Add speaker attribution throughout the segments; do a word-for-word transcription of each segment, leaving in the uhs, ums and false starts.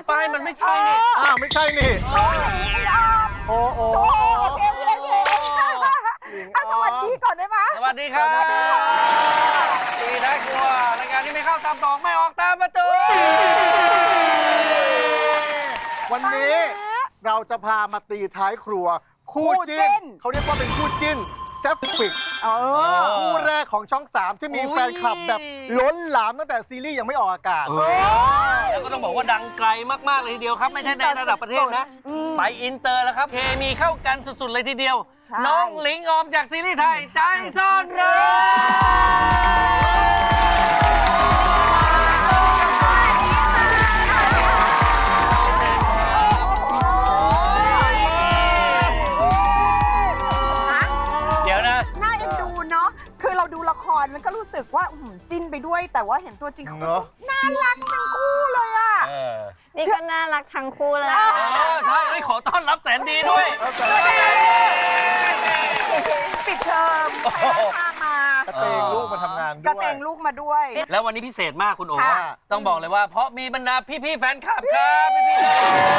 Speaker 1: ป้ายมันไม่ใช่นี่
Speaker 2: อ้าวไม่ใช่นี่
Speaker 3: น้องหลิงออม
Speaker 2: โอ้โอ้
Speaker 3: โอเคโอเคโอเคสวัสดีก่อนได้ไหม
Speaker 1: สวัสดีครับตีน่ากลัวรายการที่ไม่เข้าตามตอกไม่ออกตามประตู
Speaker 2: วันนี้เราจะพามาตีท้ายครัวคู่จิ้นเขาเรียกว่าเป็นคู่จิ้นแซฟฟิกคู่แรกของช่องสามที่มีแฟนคลับแบบล้นหลามตั้งแต่ซีรีส์ยังไม่ออกอากาศ
Speaker 1: แล้วก็ต้องบอกว่าดังไกลมากๆเลยทีเดียวครับไม่ใช่ในระดับประเทศนะไปอินเตอร์แล้วครับเคมีเข้ากันสุดๆเลยทีเดียวน้องหลิงออมจากซีรีส์ไทยใจซ่อนเร้
Speaker 3: คือเราดูละครมันก็รู้สึกว่าจิ้นไปด้วยแต่ว่าเห็นตัวจริงเขาน่ารักทั้งคู่เลยอ่ะ
Speaker 4: นี่ก็น่ารักทั้งคู่เลย
Speaker 1: ใช่ขอต้อนรับแสนดีด้วย
Speaker 3: ปิดเทอมไปพามาก
Speaker 2: ระเตงลูกมาทำงานด้วย
Speaker 3: กระเตงลูกมาด้วย
Speaker 1: แล้ววันนี้พิเศษมากคุณโอ๋ต้องบอกเลยว่าเพราะมีบรรดาพี่ๆแฟนคลับครับพี่ๆ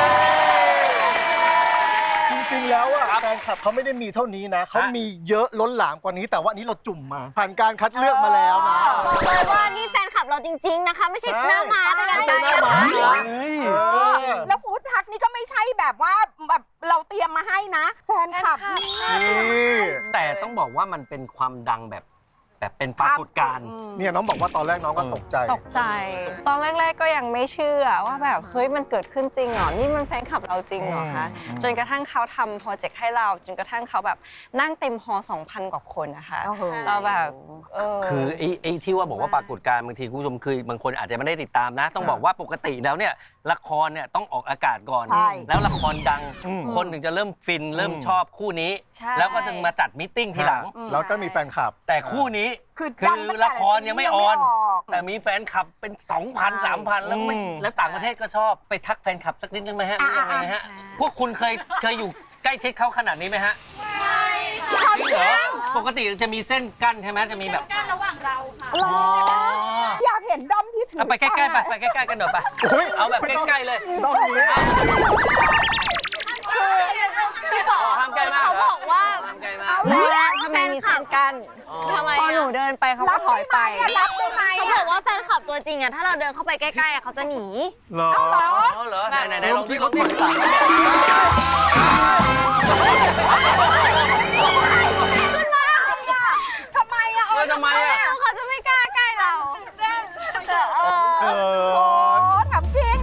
Speaker 2: จริงๆแล้วอะแฟนคลับเขาไม่ได้มีเท่านี้นะเขามีเยอะล้นหลามกว่านี้แต่ว่านี้เราจุ่มมาผ่านการคัดเลือกมาแล้วนะ
Speaker 4: บอกเลยว่านี่แฟนคลับเราจริงๆนะคะไม่ใช่หน้าม้าด้วยกัน
Speaker 2: ไม่ใช่หน้าม้า
Speaker 3: แล้วฟู้ดทักนี่ก็ไม่ใช่แบบว่าแบบเราเตรียมมาให้นะแฟนคลับ
Speaker 1: แต่ต้องบอกว่ามันเป็นความดังแบบแบบเป็นปรากฏการณ์
Speaker 2: เนี่ยน้องบอกว่าตอนแรกน้องก็ตกใจ
Speaker 4: ตกใจตอนแรกๆก็ยังไม่เชื่อว่าแบบเฮ้ยมันเกิดขึ้นจริงเหรอนี่มันแฟนคลับเราจริงเหรอคะจนกระทั่งเขาทำโปรเจกต์ให้เราจนกระทั่งเขาแบบนั่งเต็มฮอ สองพัน กว่าคนนะคะเราแบบ
Speaker 1: คือไอ้ไอ้ที่ว่าบอกว่าปรากฏการณ์บางทีคุณผู้ชมคือบางคนอาจจะไม่ได้ติดตามนะต้องบอกว่าปกติแล้วเนี่ยละครเนี่ยต้องออกอากาศก่อนแล้วละครดังคนถึงจะเริ่มฟินเริ่มชอบคู่นี้แล้วก็จึงมาจัดมิทติ้งทีหลัง
Speaker 2: แล้วก็มีแฟนคลับ
Speaker 1: แต่คู่นี้คือละครยังไม่ออนแต่มีแฟนคลับเป็น สองพัน สามพัน แล้วไม่แล้วต่างประเทศก็ชอบไปทักแฟนคลับสักนิดนึงไหมฮะยังไงฮะพวกคุณเคยเคยอยู่ใกล้ชิดเขาขนาดนี้ไหมฮะไม่เหรอปกติจะมีเส้นกั้นใช่ไหมจะมีแบบ
Speaker 3: กั้นระหว่างเราค่ะอยากเห็นด้อมที่ถือ
Speaker 1: ไปใกล้ๆไปไปใกล้ๆกันหน่อยไปเอาแบบใกล้ๆเลย
Speaker 2: ด้อมนี้
Speaker 4: พี่บอกเขาบอกว่าทำไมมีเส้นกันทำไมพอหนูเดินไปเขาก็ถอยไป
Speaker 3: รับได้ไหม
Speaker 4: เขาบอกว่าแฟนคลับตัวจริงอะถ้าเราเดินเข้าไปใกล้ๆเขาจะหนี
Speaker 2: เหรอ
Speaker 1: เหรอไหนๆลองที่เขาถอยไป
Speaker 3: ทำไมอะ
Speaker 1: ทำไมอะ
Speaker 4: เขาจะไม่กล้าใกล้เรา
Speaker 3: เออถามจริง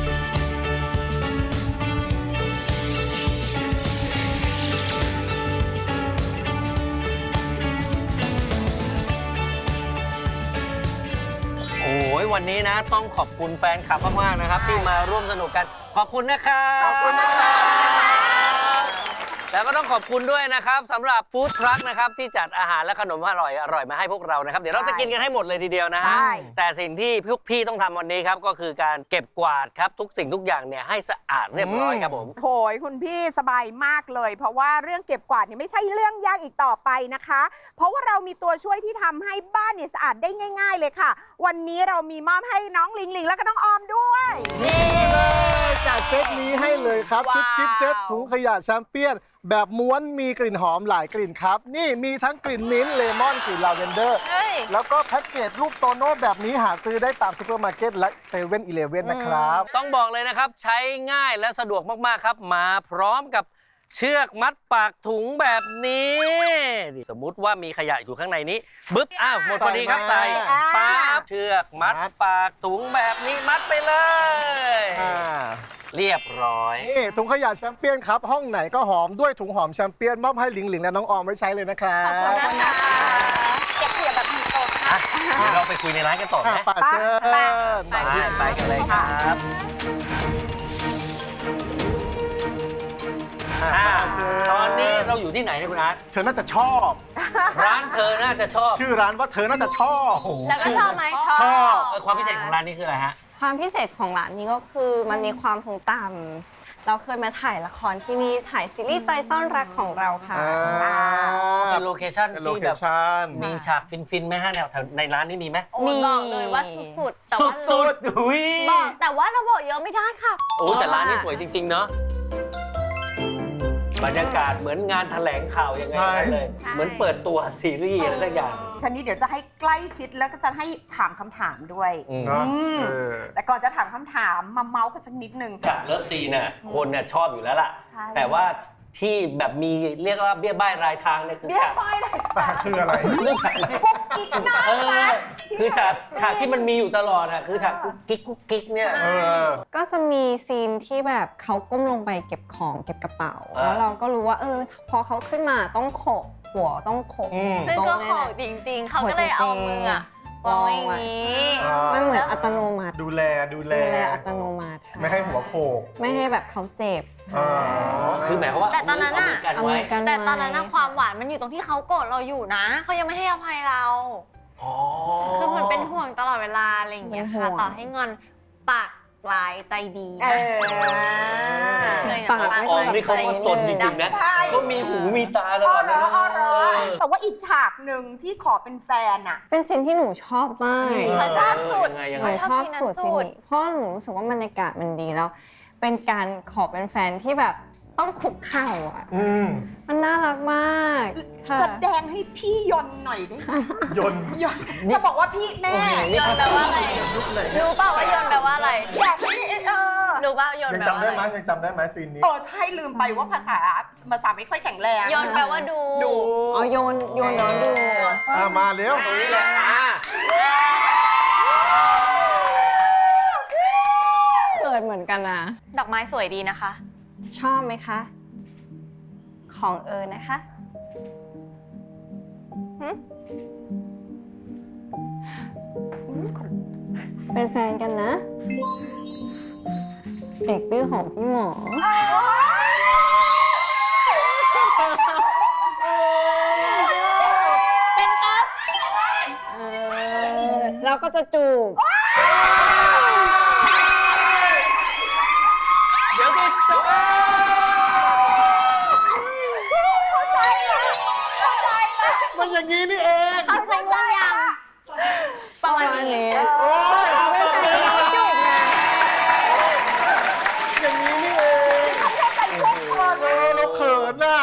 Speaker 1: โอ้ยวันนี้นะต้องขอบคุณแฟนคลับมากๆนะครับที่มาร่วมสนุกกันขอบคุณนะครับ
Speaker 2: ขอบคุณนะครับ
Speaker 1: แล้วก็ต้องขอบคุณด้วยนะครับสำหรับฟู้ดทรัคนะครับที่จัดอาหารและขนมอร่อยอร่อยมาให้พวกเรานะครับเดี๋ยวเราจะกินกันให้หมดเลยทีเดียวนะฮะแต่สิ่งที่พวกพี่ต้องทำวันนี้ครับก็คือการเก็บกวาดครับทุกสิ่งทุกอย่างเนี่ยให้สะอาดเรียบร้อยครับผม
Speaker 3: โหยคุณพี่สบายมากเลยเพราะว่าเรื่องเก็บกวาดเนี่ยไม่ใช่เรื่องยากอีกต่อไปนะคะเพราะว่าเรามีตัวช่วยที่ทำให้บ้านเนี่ยสะอาดได้ง่ายๆเลยค่ะวันนี้เรามีมอบให้น้องลิงลิงแล้วก็น้องออมด้วย
Speaker 2: นี่เลยจัดเซตนี้ให้เลยครับชุดกิฟต์เซตถุงขยะแชมเปี้ยนแบบม้วนมีกลิ่นหอมหลายกลิ่นครับนี่มีทั้งกลิ่นมิ้นท์เลมอนกลิ่นลาเวนเดอร์แล้วก็แพ็กเกจรูปโตโน่แบบนี้หาซื้อได้ตามซุปเปอร์มาร์เก็ตและเซเว่นอีเลฟเว่นนะครับ
Speaker 1: ต้องบอกเลยนะครับใช้ง่ายและสะดวกมากๆครับมาพร้อมกับเชือกมัดปากถุงแบบนี้สมมุติว่ามีขยะอยู่ข้างในนี้บึ๊บอ้าวหมดพอดีครับใส่ปั๊บเชือกมัดปากถุงแบบนี้มัดไปเลยเรียบร้อย
Speaker 2: นี่ถุงขยะแชมเปี้ยนครับห้องไหนก็หอมด้วยถุงหอมแชมเปี้ยนมอบให้หลิงหลิงและน้องออมไว้ใช้เลยนะครับ
Speaker 4: ขอบคุณนะคะเก็บขยะแบบมีโต๊ะค่ะ
Speaker 1: เดี๋ยวเราไปคุยในร้านกันต่อไหม
Speaker 2: ไปเชิญ
Speaker 1: ไปไปกันเลยครับตอนนี้เราอยู่ที่ไหนเนี่ยคุณอาร์ต
Speaker 2: เธอน่าจะชอบ
Speaker 1: ร้านเธอน่าจะชอบ
Speaker 2: ชื่อร้านว่าเธอน่าจะชอบ
Speaker 4: แล้วก็ชอบไหม
Speaker 2: ชอบ
Speaker 1: ความพิเศษของร้านนี้คืออะไรฮะ
Speaker 4: ความพิเศษของร้านนี้ก็คือมันมีความทรงจำเราเคยมาถ่ายละครที่นี่ถ่ายซีรีส์ใจซ่อนรักของเราค่ะ
Speaker 1: แเป็นโลเคชั่น
Speaker 2: เป็นโล
Speaker 1: ที่
Speaker 2: เค
Speaker 1: แบบ
Speaker 2: ชั่น
Speaker 1: มีฉากฟินๆไหมฮะแนวแถวในร้านนี้มีไหม
Speaker 5: โอ้ยบอกเลยว่าสุดๆแต่
Speaker 1: สุ
Speaker 5: ว่า
Speaker 1: ดสุดๆอุ้ย
Speaker 5: บอกแต่ว่าเราบอกเยอะไม่ได้ค่ะ
Speaker 1: โอ้แต่ร้านนี้สวยจริง ๆ เนาะบรรยากาศเหมือนงานแถลงข่าวยังไง
Speaker 2: ใช่
Speaker 1: เลย เหมือนเปิดตัวซีรีส์อะไรสักอย่าง
Speaker 3: ทีนี้เดี๋ยวจะให้ใกล้ชิดแล้วก็จะให้ถามคำถามด้วย
Speaker 1: อืม
Speaker 2: เนาะ
Speaker 3: อืม
Speaker 2: เออ
Speaker 3: แต่ก่อนจะถามคำถามมาเมาส์กันสักนิดนึง
Speaker 1: จากเลิฟซีนน่ะคนน่ะชอบอยู่แล้วล่ะ
Speaker 3: ใช่
Speaker 1: แต่ว่าที่แบบมีเรียกว่าเบี้ยบ้ายรายทางเนี่ยคือ
Speaker 3: เบี้ย
Speaker 1: ฉาก
Speaker 3: ไปเลย
Speaker 2: แต่คืออะไร
Speaker 1: เรื่องฉาก
Speaker 3: กุ๊กกิ๊กน่า
Speaker 1: เอ
Speaker 3: รั
Speaker 1: อก คือฉากฉากที่มันมีอยู่ตลอดอ่ะคือฉากกุ๊กกิ๊กกุ๊กกิ๊กเนี่ย
Speaker 2: เออ
Speaker 4: ก็จะมีซีนที่แบบเขาก้มลงไปเก็บของเก็บกระเป๋า
Speaker 1: อ่า
Speaker 4: แล้วเราก็รู้ว่าเออพอเขาขึ้นมาต้องโขกหัวต้องโขก
Speaker 2: อืม
Speaker 5: ซึ่งก็
Speaker 4: ตร
Speaker 5: ขอ
Speaker 4: เนี่ย
Speaker 5: จริงๆ เขาก็เลยเอามืออะวางไว้อย่างนี้
Speaker 2: อ่า
Speaker 4: มันเหมือนอัตโนมัติ
Speaker 2: ดูแลดูแล
Speaker 4: ดูแลอัตโนมัติค่ะ
Speaker 2: ไม่ให้หัวโขก
Speaker 4: ไม่ให้แบบเขาเจ็บ
Speaker 2: อ๋อ
Speaker 1: คือหมายความว่า
Speaker 5: แต่ตอนนั้นน่ะ
Speaker 1: เอามือกันไว้
Speaker 4: เอามือกัน
Speaker 5: แต่ตอนนั้นนะความหวานมันอยู่ตรงที่เขาโกรธเราอยู่นะเขายังไม่ให้อภัยเรา
Speaker 1: อ๋อ
Speaker 5: คือเหมือนเป็นห่วงตลอดเวลาอะไรอย่างเงี้ยค่ะ
Speaker 4: เป็นห่วง
Speaker 5: ต่อให้งอนปากลายใจดี
Speaker 3: เออ
Speaker 4: ปากไม่
Speaker 1: อ๋อ
Speaker 4: ต้อง
Speaker 1: นี่เขาก็สนจริงๆนะ
Speaker 3: ใช่
Speaker 1: เขามีหูมีตาตล
Speaker 3: อ้อ
Speaker 1: อด
Speaker 3: เหร
Speaker 1: นะ
Speaker 3: ออ้อเหรอแต่ว่าอีกฉากหนึ่งที่ขอเป็นแฟนอะ
Speaker 4: เป็นซีนที่หนูชอบมาก
Speaker 5: เขาชอบสุด
Speaker 1: ยังไงยัง
Speaker 4: ห
Speaker 1: ไง
Speaker 4: นู
Speaker 5: ชอบ
Speaker 4: ชอบ
Speaker 5: ซีนนั้น
Speaker 4: สุด
Speaker 5: สุ
Speaker 4: ซีน
Speaker 5: ด
Speaker 4: นี้เพราะหนูรู้สึกว่าบรรยากาศมันดีแล้ว เป็นการขอเป็นแฟนที่แบบต้องคุกเข่าอ่ะ
Speaker 2: อืม
Speaker 4: มันน่ารักมากค่ะ
Speaker 3: แสดงให้พี่ยนต์หน่อยได้ไหม
Speaker 2: ยนต์
Speaker 3: ยนต์จะบอกว่าพี่แม่
Speaker 5: ยนต์แปลว่าอะไรรู้เปล่าว่ายนต์แปลว่าอะไร
Speaker 3: อยากให้เออ
Speaker 5: รู้เปล่ายนต์
Speaker 2: ยัง
Speaker 5: แปล
Speaker 2: จำ
Speaker 5: ว่า
Speaker 2: ได้
Speaker 5: อะ
Speaker 2: ไหม
Speaker 5: ไร
Speaker 2: ยังจำได้ไหมซีนนี้
Speaker 3: เออใช่ลืมไปว่าภาษาภาษาไม่ค่อยแข็งแรง
Speaker 5: ยนต์แปลว่าดู
Speaker 3: ดู
Speaker 4: อ๋อโยนโยนน้องดู
Speaker 2: อ่ะมาเร็ว
Speaker 1: ตรงนี้แหละอ่า
Speaker 4: เกิดเหมือนกันนะ
Speaker 5: ดอกไม้สวยดีนะคะ
Speaker 4: ชอบไหมคะ ของเอิญนะคะหึเป็นแฟนกันนะเอกดื้อของพี่หมอ
Speaker 5: เป็นครับ
Speaker 4: เออเราก็จะจูบ
Speaker 1: เดี๋ยวดิจะ
Speaker 2: มันอย่างนี้นี่เอง
Speaker 5: เข้าใจว่ายังประมาณนี้
Speaker 2: โอ้ย
Speaker 4: ไม่ใช่เราจูบไง
Speaker 2: อย่างนี้นี่เองเออเราเขินน่ะ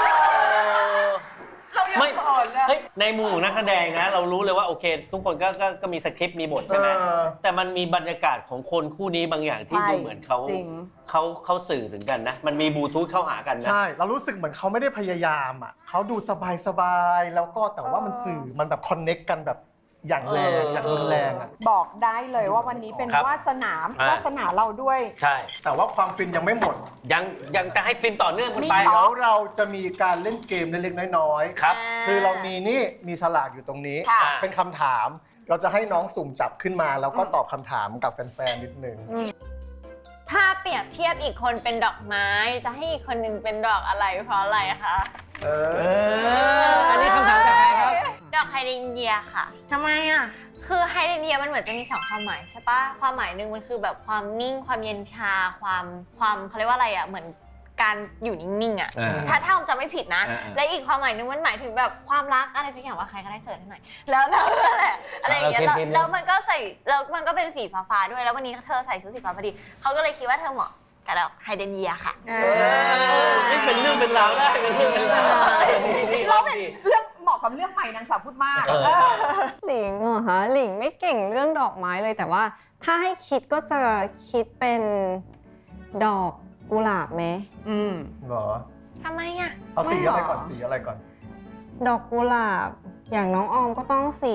Speaker 3: เรายัง
Speaker 1: ไม่
Speaker 3: เขินเลย
Speaker 1: เฮ้ยในมุมของนักแสดงนะ เรารู้เลยว่าโอเค ทุกคนก็ก็ก็มีสคริปต์มีบทใช่ไหม
Speaker 2: เออ
Speaker 1: แต่มันมีบรรยากาศของคนคู่นี้บางอย่างที่
Speaker 3: ใช่
Speaker 1: ดูเหมือนเขา
Speaker 3: จริง
Speaker 1: เขาเขาสื่อถึงกันนะ มันมีบลูทูธเข้าหากันนะ
Speaker 2: ใช่ เรารู้สึกเหมือนเขาไม่ได้พยายามอ่ะเขาดูสบายสบายๆแล้วก็แต่ว่ามันสื่อมันแบบคอนเน็กกันแบบอย่างแรง
Speaker 1: เออ
Speaker 2: อย่างรุนแรงอ่ะ
Speaker 3: บอกได้เลยว่าวันนี้เป็น
Speaker 1: ครับ
Speaker 3: วาสนา
Speaker 1: อ่า
Speaker 3: วาสนาเราด้วย
Speaker 1: ใช่
Speaker 2: แต่ว่าความฟินยังไม่หมด
Speaker 1: ยังยังจะให้ฟินต่อเนื่องกันไป
Speaker 3: มี
Speaker 2: เดี๋ยวเราจะมีการเล่นเกมเล็กๆน้อยๆ
Speaker 1: ครับ
Speaker 2: คือเรามีนี่มีฉลากอยู่ตรงนี้
Speaker 3: ค่ะ
Speaker 2: เป็นคำถาม เราจะให้น้องสุ่มจับขึ้นมา แล้วก็ตอบคำถามกับแฟนๆนิดนึง
Speaker 5: ถ้าเปรียบเทียบอีกคนเป็นดอกไม้ จะให้อีกคนหนึงเป็นดอกอะไรเพราะอะไรคะ
Speaker 2: เอ
Speaker 1: เอ
Speaker 2: อ
Speaker 1: อ อันนี้คำถามจากใครครับ
Speaker 5: ดอกไฮเดรนเยียค่ะ
Speaker 3: ทำไมอ่ะ
Speaker 5: คือไฮเดรนเยียมันเหมือนจะมีสองความหมายใช่ปะความหมายหนึ่งมันคือแบบความนิ่ง ความเย็นชา ความความเขาเรียกว่าอะไรอ่ะ เหมือนการอยู่นิ่งๆอ่ะ
Speaker 1: อ่า
Speaker 5: ถ้าถ้าผมจำไม่ผิดนะ
Speaker 1: อ่าอ่า
Speaker 5: และอีกความหมายหนึงมันหมายถึงแบบความรักอะไรสักอย่างว่าใครก็ได้เสิร์ชให้หน่อย แล้วแล้วนั่นแหละอะไรอย่างเงี้ย
Speaker 1: เรา
Speaker 5: แล้ว
Speaker 1: เทียบๆ
Speaker 5: แล้วมันก็ใส่แล้วมันก็เป็นสีฟ้าๆด้วย แล้ววันนี้เธอใส่ชุดสีฟ้าพอดี เขาก็เลยคิดว่าเธอเหมาะกับดอกไฮเดรนเยียค่ะ
Speaker 3: เอ
Speaker 1: เออนี่เป็นเรื่องเป็นราวได้เป็นเรื่องเป็นราวนี่นี่
Speaker 3: เรา
Speaker 1: เรา
Speaker 3: เป็น
Speaker 1: ดิ
Speaker 3: เรื่องเหมาะกับเรื่องใหม่นางสาวพูดมาก
Speaker 1: เออ
Speaker 3: เออ
Speaker 4: หลิงเหรอคะหลิงไม่เก่งเรื่องดอกไม้เลยแต่ว่าถ้าให้คิดก็จะคิดเป็นดอกกุหลาบไหม
Speaker 3: อืม
Speaker 2: เหรอ
Speaker 5: ทำไมอ่ะ
Speaker 2: เอาสี
Speaker 4: ไม่หรอ
Speaker 2: อะไรก่อนสีอะไรก่อน
Speaker 4: ดอกกุหลาบอย่างน้องออมก็ต้องสี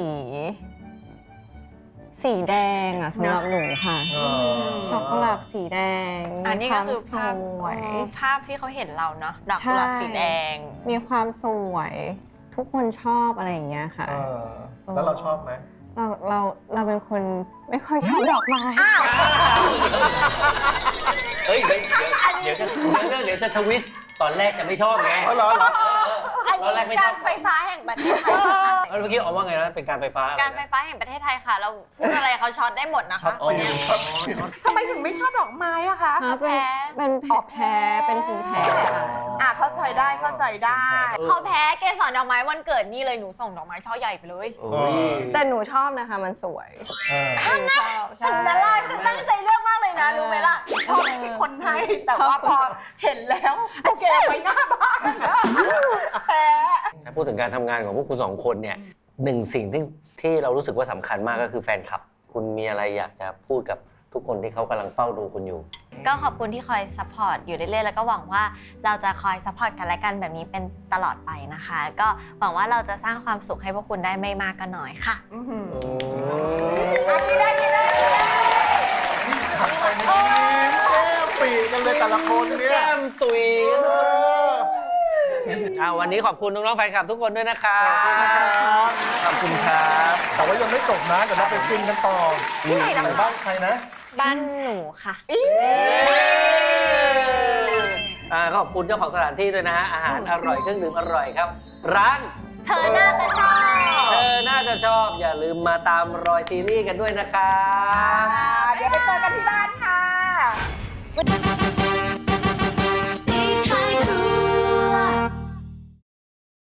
Speaker 4: สีแดงอ่ะสำหรับหนูค่ะ
Speaker 2: อ๋อ
Speaker 4: ดอกกุหลาบสีแดง
Speaker 5: อันนี้ก็คือภาพ
Speaker 4: มีวามสวย
Speaker 5: เออภาพที่เขาเห็นเราเนาะดอกกุหลาบสีแดง
Speaker 4: มีความสวย ทุกคนชอบอะไรอย่างเงี้ยค่ะ
Speaker 2: เออแล้วเราชอบไหม
Speaker 4: เราเราเราเป็นคนไม่ค่อยชอบดอกไม้
Speaker 1: เฮ้ยเดี๋ยวเดี๋ยวเดี๋ยวจะเรื่องเดี๋ยวจะทวิสต์ตอนแรกจะไม่ชอบไง
Speaker 2: อ๋อเหรอเหรอ
Speaker 5: อันอัน
Speaker 1: ตอนแร
Speaker 5: นี้
Speaker 1: กไม่ช
Speaker 5: กา
Speaker 1: อบ
Speaker 5: รไฟฟ้าแห่งประเทศไทยค่ะ
Speaker 1: เมื่อกี้ออกว่าไงนะเป็นการไฟฟ้าอะไรนะ
Speaker 5: การไฟฟ้าแห่งประเทศไทยค่ะ เราพูดอะไรเขาช็อตได้หมดนะคะ
Speaker 1: อ๋อ
Speaker 3: ทำไมถึงไม่ชอบดอกไม้อะคะ
Speaker 4: เป็นเป็นแพ้เป็นภูมิแพ้ค่ะ
Speaker 3: อ่ะเข้าใจได้เข้าใจได้
Speaker 5: เขาแพ้เกสรดอกไม้วันเกิดนี่เลยหนูส่งดอกไม้ช่อใหญ่ไปเลย
Speaker 1: โอ้ย
Speaker 4: แต่หนูชอบนะคะมันสวย
Speaker 2: เออ
Speaker 4: หนูชอบใช่
Speaker 5: นั่นแหละฉันตั้งใจเลือกมากเลยนะรู้ไหมล่ะ
Speaker 3: ชอบที่คนให้แต่ว่าพอเห็นแล้วโอเคไว้หน้าบ้านแพ้
Speaker 1: ถ้าพูดถึงการทำงานของพวกคุณสองคนเนี่ยหนึ่งสิ่งที่ที่เรารู้สึกว่าสำคัญมากก็คือแฟนคลับ คุณมีอะไรอยากจะพูดกับทุกคนที่เขากำลังเฝ้าดูคุณอยู่
Speaker 5: ก็ขอบคุณที่คอยซัพพอร์ตอยู่เรื่อยๆแล้วก็หวังว่าเราจะคอยซัพพอร์ตกันและกันแบบนี้เป็นตลอดไปนะคะ ก็หวังว่าเราจะสร้างความสุขให้พวกคุณได้ไม่มากก็น้อยค่ะ
Speaker 3: อือหืออ่ะกินได้กินได้กินได้
Speaker 2: ทำไปนี่แก้มปีกันเลยแต่ละคนเนี่ย
Speaker 1: แก้มตุย
Speaker 2: เออ
Speaker 1: อ่าวันนี้ขอบคุณน้องๆแฟนคลับทุกคนด้วยนะครับ
Speaker 2: ขอบคุณนะครับ
Speaker 1: ขอบคุณครับ
Speaker 2: แต่ว่ายังไม่จบนะเดี๋ยวเราไปฟินกันต่อ
Speaker 3: ที่ไหนนะคะ
Speaker 2: บ้านใครนะ
Speaker 5: บ้านหนูค่ะ
Speaker 1: อ่าขอบคุณเจ้าของสถานที่ด้วยนะฮะอาหารอร่อยเครื่องดื่มอร่อยครับ ร้าน
Speaker 5: เธอน่าจะชอบ
Speaker 1: เธอน่าจะชอบอย่าลืมมาตามรอยซีรีส์กันด้วยนะครับ
Speaker 3: อ่าเดี๋ยวไปเจอกันที่บ้านค่ะ